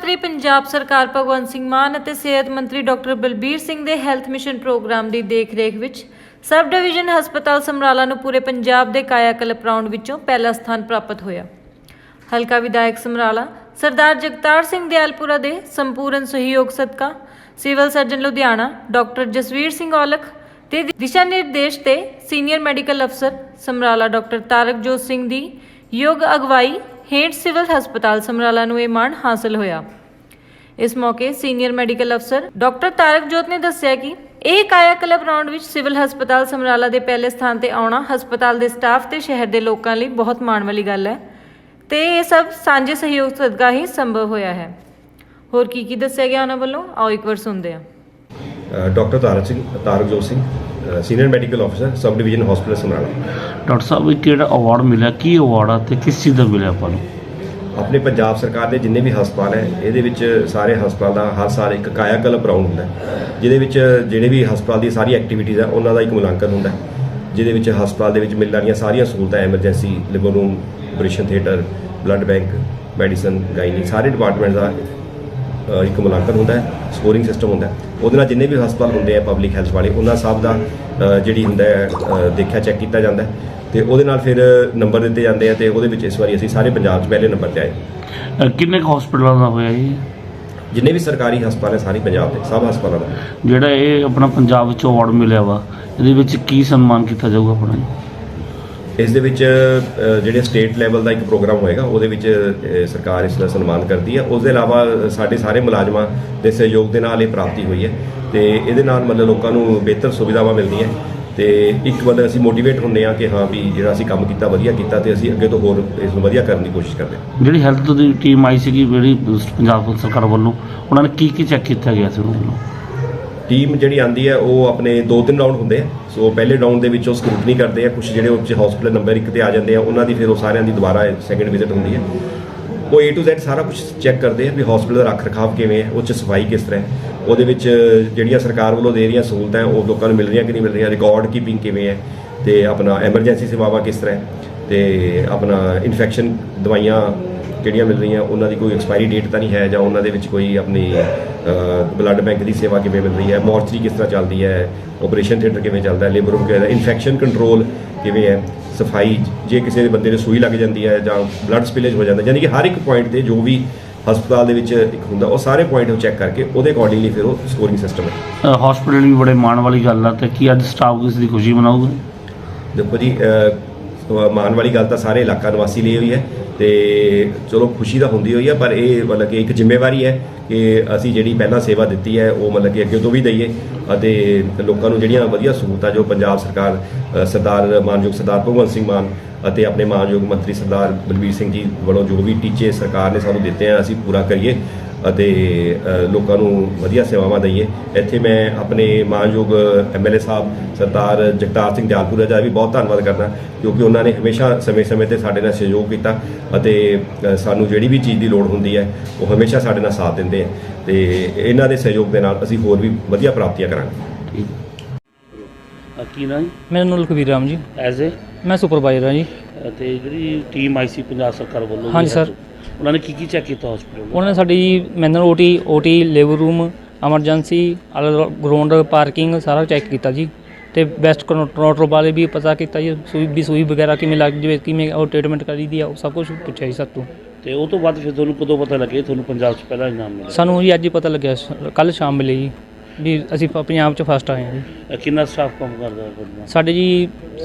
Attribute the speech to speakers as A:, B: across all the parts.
A: ਮੰਤਰੀ ਪੰਜਾਬ ਸਰਕਾਰ ਭਗਵੰਤ ਸਿੰਘ ਮਾਨ ਅਤੇ ਸਿਹਤ ਮੰਤਰੀ ਡਾਕਟਰ ਬਲਬੀਰ ਸਿੰਘ ਦੇ ਹੈਲਥ ਮਿਸ਼ਨ ਪ੍ਰੋਗਰਾਮ ਦੀ ਦੇਖਰੇਖ ਵਿੱਚ ਸਬ ਡਿਵੀਜ਼ਨ ਹਸਪਤਾਲ ਸਮਰਾਲਾ ਨੂੰ ਪੂਰੇ ਪੰਜਾਬ ਦੇ ਕਾਇਆਕਲਪ ਰਾਊਂਡ ਵਿੱਚੋਂ ਪਹਿਲਾ ਸਥਾਨ ਪ੍ਰਾਪਤ ਹੋਇਆ। ਹਲਕਾ ਵਿਧਾਇਕ ਸਮਰਾਲਾ ਸਰਦਾਰ ਜਗਤਾਰ ਸਿੰਘ ਦਿਆਲਪੁਰਾ ਦੇ ਸੰਪੂਰਨ ਸਹਿਯੋਗ ਸਦਕਾ civil surgeon Ludhiana doctor Jasvir Singh Aulakh ਦੇ ਦਿਸ਼ਾ ਨਿਰਦੇਸ਼ ਤੇ ਸੀਨੀਅਰ ਮੈਡੀਕਲ ਅਫਸਰ ਸਮਰਾਲਾ ਡਾਕਟਰ ਤਾਰਕਜੋਤ ਸਿੰਘ ਦੀ ਯੋਗ ਅਗਵਾਈ ਹੇਠ ਸਿਵਲ ਹਸਪਤਾਲ ਸਮਰਾਲਾ ਨੂੰ ਇਹ ਮਾਣ ਹਾਸਲ ਹੋਇਆ। ਇਸ ਮੌਕੇ ਸੀਨੀਅਰ ਮੈਡੀਕਲ ਅਫਸਰ ਡਾਕਟਰ ਤਾਰਕਜੋਤ ਨੇ ਦੱਸਿਆ ਕਿ ਇਹ ਕਾਇਆਕਲਪ ਰਾਊਂਡ ਵਿੱਚ ਸਿਵਲ ਹਸਪਤਾਲ ਸਮਰਾਲਾ ਦੇ ਪਹਿਲੇ ਸਥਾਨ ਤੇ ਆਉਣਾ ਹਸਪਤਾਲ ਦੇ ਸਟਾਫ ਤੇ ਸ਼ਹਿਰ ਦੇ ਲੋਕਾਂ ਲਈ ਬਹੁਤ ਮਾਣ ਵਾਲੀ ਗੱਲ ਹੈ ਤੇ ਇਹ ਸਭ ਸਾਂਝੇ ਸਹਿਯੋਗ ਸਦਕਾ ਹੀ ਸੰਭਵ ਹੋਇਆ ਹੈ। ਹੋਰ ਕੀ ਦੱਸਿਆ ਗਿਆ ਉਹਨਾਂ ਵੱਲੋਂ, ਆਓ ਇੱਕ ਵਾਰ ਸੁਣਦੇ ਹਾਂ।
B: Doctor Tarakjot Singh senior medical ਅਫਸਰ sub division hospital Samrala.
C: Doctor ਸਾਹਿਬ, ਇਹ ਕਿਹੜਾ ਅਵਾਰਡ ਮਿਲਿਆ, ਕੀ ਅਵਾਰਡ ਆ ਤੇ ਕਿਸ ਚੀਜ਼ ਦਾ ਮਿਲਿਆ ਆਪਾਂ ਨੂੰ?
B: ਆਪਣੇ ਪੰਜਾਬ ਸਰਕਾਰ ਦੇ ਜਿੰਨੇ ਵੀ ਹਸਪਤਾਲ ਹੈ ਇਹਦੇ ਵਿੱਚ ਸਾਰੇ ਹਸਪਤਾਲ ਦਾ ਹਰ ਸਾਲ ਇੱਕ ਕਾਇਆਕਲਪ ਰਾਊਂਡ ਹੁੰਦਾ ਜਿਹਦੇ ਵਿੱਚ ਜਿਹੜੇ ਵੀ ਹਸਪਤਾਲ ਦੀ ਸਾਰੀ ਐਕਟੀਵਿਟੀਜ਼ ਆ ਉਹਨਾਂ ਦਾ ਇੱਕ ਮੁਲਾਂਕਣ ਹੁੰਦਾ ਜਿਹਦੇ ਵਿੱਚ ਹਸਪਤਾਲ ਦੇ ਵਿੱਚ ਮਿਲਣ ਵਾਲੀਆਂ ਸਾਰੀਆਂ ਸਹੂਲਤਾਂ ਐਮਰਜੈਂਸੀ, ਲਿਵਰ room, operation theatre, blood bank, medicine, gynae ਸਾਰੇ ਡਿਪਾਰਟਮੈਂਟ ਦਾ ਇੱਕ ਮੁਲਾਂਕਣ ਹੁੰਦਾ ਹੈ, ਸਕੋਰਿੰਗ ਸਿਸਟਮ ਹੁੰਦਾ ਉਹਦੇ ਨਾਲ ਜਿੰਨੇ ਵੀ ਹਸਪਤਾਲ ਹੁੰਦੇ ਆ ਪਬਲਿਕ ਹੈਲਥ ਵਾਲੇ ਉਹਨਾਂ ਸਭ ਦਾ ਜਿਹੜੀ ਹੁੰਦਾ ਦੇਖਿਆ ਚੈੱਕ ਕੀਤਾ ਜਾਂਦਾ ਤੇ ਉਹਦੇ ਨਾਲ ਫਿਰ ਨੰਬਰ ਦਿੱਤੇ ਜਾਂਦੇ ਆ ਤੇ ਉਹਦੇ ਵਿੱਚ ਇਸ ਵਾਰੀ ਅਸੀਂ ਸਾਰੇ ਪੰਜਾਬ 'ਚ ਪਹਿਲੇ ਨੰਬਰ ਤੇ ਆਏ।
C: ਕਿੰਨੇ ਕੁ ਹਸਪਤਾਲਾਂ ਦਾ ਹੋਇਆ ਜੀ?
B: ਜਿੰਨੇ ਵੀ ਸਰਕਾਰੀ ਹਸਪਤਾਲ ਹੈ ਸਾਰੇ ਪੰਜਾਬ ਦੇ ਸਭ ਹਸਪਤਾਲਾਂ ਦਾ।
C: ਜਿਹੜਾ ਇਹ ਆਪਣਾ ਪੰਜਾਬ ਵਿੱਚ ਅਵਾਰਡ ਮਿਲਿਆ ਵਾ ਇਹਦੇ ਵਿੱਚ ਕੀ ਸਨਮਾਨ ਕੀਤਾ ਜਾਊਗਾ ਆਪਣਾ?
B: ਇਸ ਦੇ ਵਿੱਚ ਜਿਹੜੇ ਸਟੇਟ ਲੈਵਲ ਦਾ ਇੱਕ ਪ੍ਰੋਗਰਾਮ ਹੋਏਗਾ ਉਹਦੇ ਵਿੱਚ ਸਰਕਾਰ ਇਸ ਦਾ ਸਨਮਾਨ ਕਰਦੀ ਹੈ। ਉਸ ਦੇ ਇਲਾਵਾ ਸਾਡੇ ਸਾਰੇ ਮੁਲਾਜ਼ਮਾਂ ਦੇ ਸਹਿਯੋਗ ਦੇ ਨਾਲ ਇਹ ਪ੍ਰਾਪਤੀ ਹੋਈ ਹੈ ਤੇ ਇਹਦੇ ਨਾਲ ਮਤਲਬ ਲੋਕਾਂ ਨੂੰ ਬਿਹਤਰ ਸੁਵਿਧਾਵਾਂ ਮਿਲਦੀਆਂ ਤੇ ਇੱਕ ਮਤਲਬ ਅਸੀਂ ਮੋਟੀਵੇਟ ਹੁੰਦੇ ਹਾਂ ਕਿ ਹਾਂ ਵੀ ਜਿਹੜਾ ਅਸੀਂ ਕੰਮ ਕੀਤਾ ਵਧੀਆ ਕੀਤਾ ਤੇ ਅਸੀਂ ਅੱਗੇ ਤੋਂ ਹੋਰ ਇਸ ਨੂੰ ਵਧੀਆ ਕਰਨ ਦੀ ਕੋਸ਼ਿਸ਼ ਕਰਦੇ ਹਾਂ।
C: ਜਿਹੜੀ ਹੈਲਥ ਦੀ ਟੀਮ ਆਈ ਸੀਗੀ ਜਿਹੜੀ ਪੰਜਾਬ ਸਰਕਾਰ ਵੱਲੋਂ, ਉਹਨਾਂ ਨੇ ਕੀ ਚੈੱਕ ਕੀਤਾ ਗਿਆ ਸੀ ਉਹਨਾਂ ਵੱਲੋਂ?
B: ਟੀਮ ਜਿਹੜੀ ਆਉਂਦੀ ਹੈ ਉਹ ਆਪਣੇ 2-3 ਰਾਊਂਡ ਹੁੰਦੇ ਆ। ਸੋ ਪਹਿਲੇ ਰਾਊਂਡ ਦੇ ਵਿੱਚ ਉਹ ਸਕਰੂਟਨੀ ਕਰਦੇ ਆ, ਕੁਝ ਜਿਹੜੇ ਉੱਚ ਹਸਪੀਟਲ ਨੰਬਰ 1 ਤੇ ਆ ਜਾਂਦੇ ਆ ਉਹਨਾਂ ਦੀ ਫਿਰ ਉਹ ਸਾਰਿਆਂ ਦੀ ਦੁਬਾਰਾ ਸੈਕੰਡ ਵਿਜ਼ਿਟ ਹੁੰਦੀ ਹੈ। ਉਹ A to Z ਸਾਰਾ ਕੁਝ ਚੈੱਕ ਕਰਦੇ ਆ ਵੀ ਹਸਪੀਟਲ ਦਾ ਰੱਖ ਰਖਾਵ ਕਿਵੇਂ ਹੈ, ਉਹ 'ਚ ਸਫਾਈ ਕਿਸ ਤਰ੍ਹਾਂ ਹੈ, ਉਹਦੇ ਵਿੱਚ ਜਿਹੜੀਆਂ ਸਰਕਾਰ ਵੱਲੋਂ ਦੇ ਰਹੀਆਂ ਸਹੂਲਤਾਂ ਉਹ ਲੋਕਾਂ ਨੂੰ ਮਿਲ ਰਹੀਆਂ ਕਿ ਨਹੀਂ ਮਿਲ ਰਹੀਆਂ, ਰਿਕਾਰਡ ਕੀਪਿੰਗ ਕਿਵੇਂ ਹੈ ਤੇ ਆਪਣਾ ਐਮਰਜੈਂਸੀ ਸੇਵਾਵਾਂ ਕਿਸ ਤਰ੍ਹਾਂ ਹੈ ਤੇ ਆਪਣਾ ਇਨਫੈਕਸ਼ਨ ਦਵਾਈਆਂ ਜਿਹੜੀਆਂ ਮਿਲ ਰਹੀਆਂ ਉਹਨਾਂ ਦੀ ਕੋਈ ਐਕਸਪਾਇਰੀ ਡੇਟ ਤਾਂ ਨਹੀਂ ਹੈ ਜਾਂ ਉਹਨਾਂ ਦੇ ਵਿੱਚ ਕੋਈ ਆਪਣੀ ਬਲੱਡ ਬੈਂਕ ਦੀ ਸੇਵਾ ਕਿਵੇਂ ਮਿਲ ਰਹੀ ਹੈ, ਮੋਰਚਰੀ ਕਿਸ ਤਰ੍ਹਾਂ ਚੱਲਦੀ ਹੈ, ਆਪਰੇਸ਼ਨ ਥੀਏਟਰ ਕਿਵੇਂ ਚੱਲਦਾ ਹੈ, ਲੇਬਰ ਰੂਮ ਕਿਵੇਂ ਹੈ, ਇਨਫੈਕਸ਼ਨ ਕੰਟਰੋਲ ਕਿਵੇਂ ਹੈ, ਸਫਾਈ ਜੇ ਕਿਸੇ ਦੇ ਬੰਦੇ ਨੂੰ ਸੂਈ ਲੱਗ ਜਾਂਦੀ ਹੈ ਜਾਂ ਬਲੱਡ ਸਪਿਲੇਜ ਹੋ ਜਾਂਦਾ, ਯਾਨੀ ਕਿ ਹਰ ਇੱਕ ਪੁਆਇੰਟ ਤੇ ਜੋ ਵੀ ਹਸਪਤਾਲ ਦੇ ਵਿੱਚ ਇੱਕ ਹੁੰਦਾ ਉਹ ਸਾਰੇ ਪੁਆਇੰਟ ਉਹ ਚੈੱਕ ਕਰਕੇ ਉਹਦੇ ਅਕੋਰਡਿੰਗਲੀ ਫਿਰ ਉਹ ਸਕੋਰਿੰਗ ਸਿਸਟਮ ਹੈ।
C: ਹਸਪੀਟਲ ਵੀ ਬੜੇ ਮਾਣ ਵਾਲੀ ਗੱਲ ਆ ਤੇ ਕੀ ਅੱਜ ਸਟਾਫ ਇਸ ਦੀ ਖੁਸ਼ੀ ਮਨਾਊਗਾ?
B: ਦੇਖੋ ਜੀ, ਮਾਣ ਵਾਲੀ ਗੱਲ ਤਾਂ ਸਾਰੇ ਇਲਾਕਾ ਨਿਵਾਸੀ ਲਈ ਹੋਈ ਹੈ ਤੇ ਚਲੋ ਖੁਸ਼ੀ ਤਾਂ ਹੁੰਦੀ ਹੋਈ ਹੈ ਪਰ ਇਹ ਮਤਲਬ ਕਿ ਇੱਕ ਜ਼ਿੰਮੇਵਾਰੀ ਹੈ ਕਿ ਅਸੀਂ ਜਿਹੜੀ ਪਹਿਲਾਂ ਸੇਵਾ ਦਿੱਤੀ ਹੈ ਉਹ ਮਤਲਬ ਕਿ ਅੱਗੇ ਤੋਂ ਵੀ ਦਈਏ ਅਤੇ ਲੋਕਾਂ ਨੂੰ ਜਿਹੜੀਆਂ ਵਧੀਆ ਸਹੂਲਤਾਂ ਜੋ ਪੰਜਾਬ ਸਰਕਾਰ ਸਰਦਾਰ ਮਾਨਯੋਗ ਸਰਦਾਰ ਭਗਵੰਤ ਸਿੰਘ ਮਾਨ ਅਤੇ ਆਪਣੇ ਮਾਨਯੋਗ ਮੰਤਰੀ ਸਰਦਾਰ ਬਲਬੀਰ ਸਿੰਘ ਜੀ ਵੱਲੋਂ ਜੋ ਵੀ ਟੀਚੇ ਸਰਕਾਰ ਨੇ ਸਾਨੂੰ ਦਿੱਤੇ ਆ ਅਸੀਂ ਪੂਰਾ ਕਰੀਏ ਅਤੇ ਲੋਕਾਂ ਨੂੰ ਵਧੀਆ ਸੇਵਾਵਾਂ ਦਈਏ। ਇੱਥੇ ਮੈਂ ਆਪਣੇ ਮਾਨਯੋਗ MLA ਸਾਹਿਬ ਸਰਦਾਰ ਜਗਤਾਰ ਸਿੰਘ ਦਿਆਲਪੁਰਾ ਦਾ ਵੀ ਬਹੁਤ ਧੰਨਵਾਦ ਕਰਦਾ ਕਿਉਂਕਿ ਉਹਨਾਂ ਨੇ ਹਮੇਸ਼ਾ ਸਮੇਂ-ਸਮੇਂ ਤੇ ਸਾਡੇ ਨਾਲ ਸਹਿਯੋਗ ਕੀਤਾ ਅਤੇ ਸਾਨੂੰ ਜਿਹੜੀ ਵੀ ਚੀਜ਼ ਦੀ ਲੋੜ ਹੁੰਦੀ ਹੈ ਉਹ ਹਮੇਸ਼ਾ ਸਾਡੇ ਨਾਲ ਸਾਥ ਦਿੰਦੇ ਆ ਤੇ ਇਹਨਾਂ ਦੇ ਸਹਿਯੋਗ ਦੇ ਨਾਲ ਅਸੀਂ ਹੋਰ ਵੀ ਵਧੀਆ ਪ੍ਰਾਪਤੀਆਂ ਕਰਾਂਗੇ।
C: ਕੀ ਨਾ ਜੀ?
D: ਮੇਰਾ ਨਾਮ ਲਖਵੀਰ ਰਾਮ ਜੀ,
C: ਐਜ਼ ਏ
D: ਮੈਂ ਸੁਪਰਵਾਈਜ਼ਰ ਹਾਂ ਜੀ।
C: ਤੇ ਜਿਹੜੀ ਟੀਮ ਆਈ ਸੀ ਪੰਜਾਬ ਸਰਕਾਰ ਵੱਲੋਂ,
D: ਹਾਂਜੀ ਸਰ,
C: ਉਹਨਾਂ ਨੇ ਕੀ ਚੈੱਕ ਕੀਤਾ ਹਸਪੀਟਲ?
D: ਉਹਨਾਂ ਨੇ ਸਾਡੀ manual OT labour room, emergency, ground, parking ਸਾਰਾ ਚੈੱਕ ਕੀਤਾ ਜੀ ਤੇ ਬੈਸਟ ਕੰਟਰੋਲ ਵਾਲੇ ਵੀ ਪਤਾ ਕੀਤਾ ਜੀ, ਸੂਈ ਵਗੈਰਾ ਕਿਵੇਂ ਲੱਗ ਜਾਵੇ, ਕਿਵੇਂ ਉਹ ਟ੍ਰੀਟਮੈਂਟ ਕਰੀ ਦੀ ਆ, ਉਹ ਸਭ ਕੁਝ ਪੁੱਛਿਆ ਜੀ ਸਰ ਤੋਂ।
C: ਤੇ ਉਹ ਤੋਂ ਬਾਅਦ ਫਿਰ ਤੁਹਾਨੂੰ ਕਦੋਂ ਪਤਾ ਲੱਗਿਆ ਤੁਹਾਨੂੰ ਪੰਜਾਬ 'ਚ ਪਹਿਲਾ ਇਨਾਮ ਮਿਲਿਆ?
D: ਸਾਨੂੰ ਜੀ ਅੱਜ ਹੀ ਪਤਾ ਲੱਗਿਆ, ਕੱਲ੍ਹ ਸ਼ਾਮ ਮਿਲੇ ਜੀ ਵੀ ਅਸੀਂ ਪੰਜਾਬ 'ਚ ਫਸਟ ਆਏ ਹਾਂ ਜੀ।
C: ਕਿੰਨਾ ਸਟਾਫ ਕੰਮ ਕਰਦਾ ਹੈ?
D: ਸਾਡੇ ਜੀ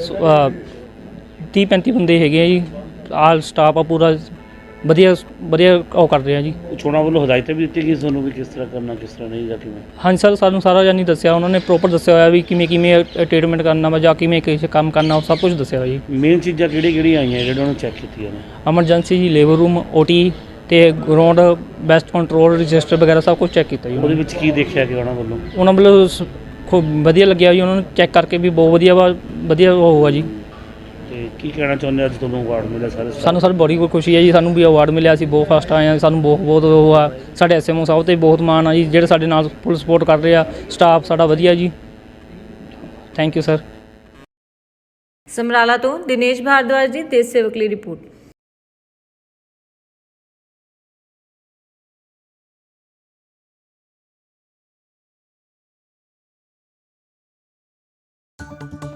D: 30-35 ਬੰਦੇ ਹੈਗੇ ਆ ਜੀ, ਆਲ ਸਟਾਫ ਆ ਪੂਰਾ ਵਧੀਆ ਉਹ ਕਰ ਰਿਹਾ ਜੀ।
C: ਚੋਣਾਂ ਵੱਲੋਂ ਹਦਾਇਤਾਂ ਵੀ ਦਿੱਤੀ ਗਈ ਤੁਹਾਨੂੰ ਵੀ ਕਿਸ ਤਰ੍ਹਾਂ ਕਰਨਾ ਕਿਸ ਤਰ੍ਹਾਂ ਨਹੀਂ ਜਾਂ ਕਿਵੇਂ?
D: ਹਾਂਜੀ ਸਰ, ਸਾਨੂੰ ਸਾਰਾ ਜਾਨੀ ਦੱਸਿਆ ਉਹਨਾਂ ਨੇ, ਪ੍ਰੋਪਰ ਦੱਸਿਆ ਹੋਇਆ ਵੀ ਕਿਵੇਂ ਟ੍ਰੀਟਮੈਂਟ ਕਰਨਾ ਵਾ ਜਾਂ ਕਿਵੇਂ ਕਿਸੇ ਕੰਮ ਕਰਨਾ, ਉਹ ਸਭ ਕੁਝ ਦੱਸਿਆ ਹੋਇਆ ਜੀ।
C: ਮੇਨ ਚੀਜ਼ਾਂ ਕਿਹੜੀਆਂ ਆਈਆਂ ਜਿਹੜੀਆਂ ਉਹਨੂੰ ਚੈੱਕ ਕੀਤੀਆਂ ਨੇ?
D: ਐਮਰਜੈਂਸੀ ਜੀ, ਲੇਬਰ ਰੂਮ, OT ਤੇ ਗਰਾਊਂਡ, ਬੈਸਟ ਕੰਟਰੋਲ, ਰਜਿਸਟਰ ਵਗੈਰਾ ਸਭ ਕੁਝ ਚੈੱਕ ਕੀਤਾ ਜੀ।
C: ਉਹਦੇ ਵਿੱਚ ਕੀ ਦੇਖਿਆ ਗਿਆ
D: ਉਹਨਾਂ ਵੱਲੋਂ ਖੂਬ ਵਧੀਆ ਲੱਗਿਆ ਜੀ, ਉਹਨਾਂ ਨੂੰ ਚੈੱਕ ਕਰਕੇ ਵੀ ਬਹੁਤ ਵਧੀਆ ਹੋਊਗਾ ਜੀ।
C: ਤੇ ਕੀ ਕਹਿਣਾ ਚਾਹੁੰਦੇ ਅੱਜ ਤੁਹਾਨੂੰ ਅਵਾਰਡ ਮਿਲਿਆ?
D: ਸਾਨੂੰ ਸਰ ਬੜੀ ਖੁਸ਼ੀ ਹੈ ਜੀ, ਸਾਨੂੰ ਵੀ ਅਵਾਰਡ ਮਿਲਿਆ, ਅਸੀਂ ਬਹੁਤ ਫਸਟ ਆਏ ਹਾਂ, ਸਾਨੂੰ ਬਹੁਤ ਉਹ ਆ, ਸਾਡੇ SMO ਸਾਹਿਬ 'ਤੇ ਬਹੁਤ ਮਾਣ ਆ ਜੀ, ਜਿਹੜੇ ਸਾਡੇ ਨਾਲ ਫੁੱਲ ਸਪੋਰਟ ਕਰ ਰਹੇ ਆ, ਸਟਾਫ ਸਾਡਾ ਵਧੀਆ ਜੀ। Thank you sir.
A: ਸਮਰਾਲਾ ਤੋਂ ਦਿਨੇਸ਼ ਭਾਰਦਵਾਜ ਦੀ ਦੇਸ਼ ਸੇਵਕ ਲਈ ਰਿਪੋਰਟ। ਹੈ।